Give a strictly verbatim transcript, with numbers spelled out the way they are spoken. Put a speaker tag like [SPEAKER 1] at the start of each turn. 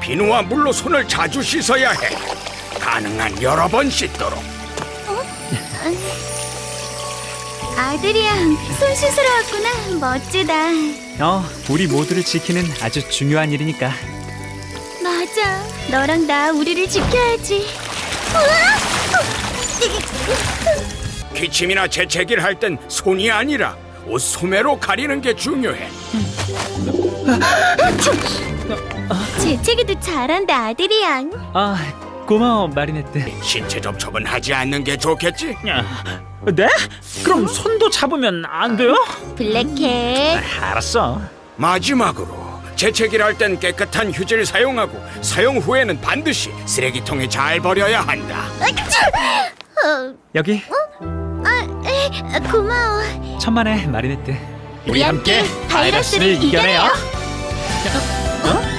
[SPEAKER 1] 비누와 물로 손을 자주 씻어야 해. 가능한 여러 번 씻도록.
[SPEAKER 2] 아들이야, 손 씻으러 왔구나. 멋지다.
[SPEAKER 3] 어, 우리 모두를 지키는 아주 중요한 일이니까.
[SPEAKER 2] 맞아. 너랑 나 우리를 지켜야지.
[SPEAKER 1] 기침이나 재채기를 할 땐 손이 아니라 옷 소매로 가리는 게 중요해.
[SPEAKER 2] 재채기도 잘한다, 아들이야.
[SPEAKER 3] 아, 고마워, 마리네트.
[SPEAKER 1] 신체 접촉은 하지 않는 게 좋겠지?
[SPEAKER 3] 네? 그럼 손도 잡으면 안 돼요?
[SPEAKER 2] 블랙캣.
[SPEAKER 3] 알았어.
[SPEAKER 1] 마지막으로 재채기를 할 땐 깨끗한 휴지를 사용하고 사용 후에는 반드시 쓰레기통에 잘 버려야 한다.
[SPEAKER 2] 어,
[SPEAKER 3] 여기
[SPEAKER 2] 아, 에, 고마워.
[SPEAKER 3] 천만에 마리네트.
[SPEAKER 2] 우리 함께 바이러스를 이겨내요.
[SPEAKER 3] 어?